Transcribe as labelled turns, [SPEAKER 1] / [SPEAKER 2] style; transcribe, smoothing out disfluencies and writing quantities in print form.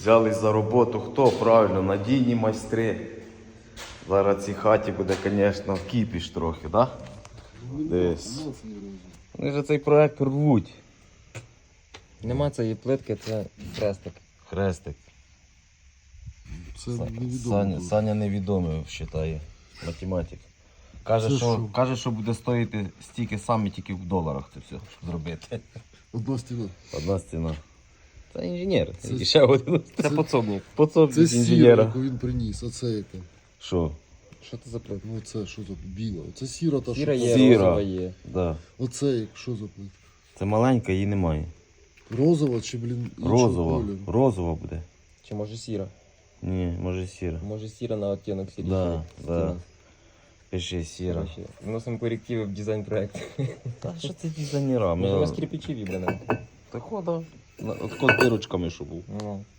[SPEAKER 1] Взялись за роботу. Хто? Правильно, надійні майстри. Зараз в цій хаті буде, звісно, кіпіш трохи, так? Да? Десь. Вони ж цей проект рвуть.
[SPEAKER 2] Нема цієї плитки, це хрестик.
[SPEAKER 1] Хрестик.
[SPEAKER 3] Це невідомо.
[SPEAKER 1] Саня невідомий, вважає, математик. Каже,
[SPEAKER 3] Це
[SPEAKER 1] що,
[SPEAKER 3] що?
[SPEAKER 1] каже, що буде стоїти стільки саме тільки в доларах це все, щоб зробити.
[SPEAKER 3] Одна стіна.
[SPEAKER 1] Одна стіна. Це інженер.
[SPEAKER 3] Це-
[SPEAKER 1] І ще один.
[SPEAKER 2] Це подсобник.
[SPEAKER 1] Подсобник
[SPEAKER 3] Це
[SPEAKER 1] інженера.
[SPEAKER 3] сіра, яку він приніс, а це яка?
[SPEAKER 1] Що?
[SPEAKER 2] Що це за плитка?
[SPEAKER 3] Ну це що за біла? Оце сіра та
[SPEAKER 2] Сіра
[SPEAKER 3] що?
[SPEAKER 2] є,
[SPEAKER 1] Сіра.
[SPEAKER 2] розова є.
[SPEAKER 1] Да.
[SPEAKER 3] Оце як що за плитка?
[SPEAKER 1] Це маленька, її немає.
[SPEAKER 3] Розова чи, блін, іншого
[SPEAKER 1] Розова.
[SPEAKER 3] кольору?
[SPEAKER 1] Розова буде.
[SPEAKER 2] Чи може сіра?
[SPEAKER 1] Ні, може сіра.
[SPEAKER 2] Може сіра на оттінок сірі.
[SPEAKER 1] Да, да. Пиши сіра.
[SPEAKER 2] Вносимо корективи в дизайн-проект.
[SPEAKER 1] Та що це дизайнера?
[SPEAKER 2] Може, у нас кирпичі вібрано.
[SPEAKER 1] Так хода. От дирочками, що був.
[SPEAKER 2] Ну.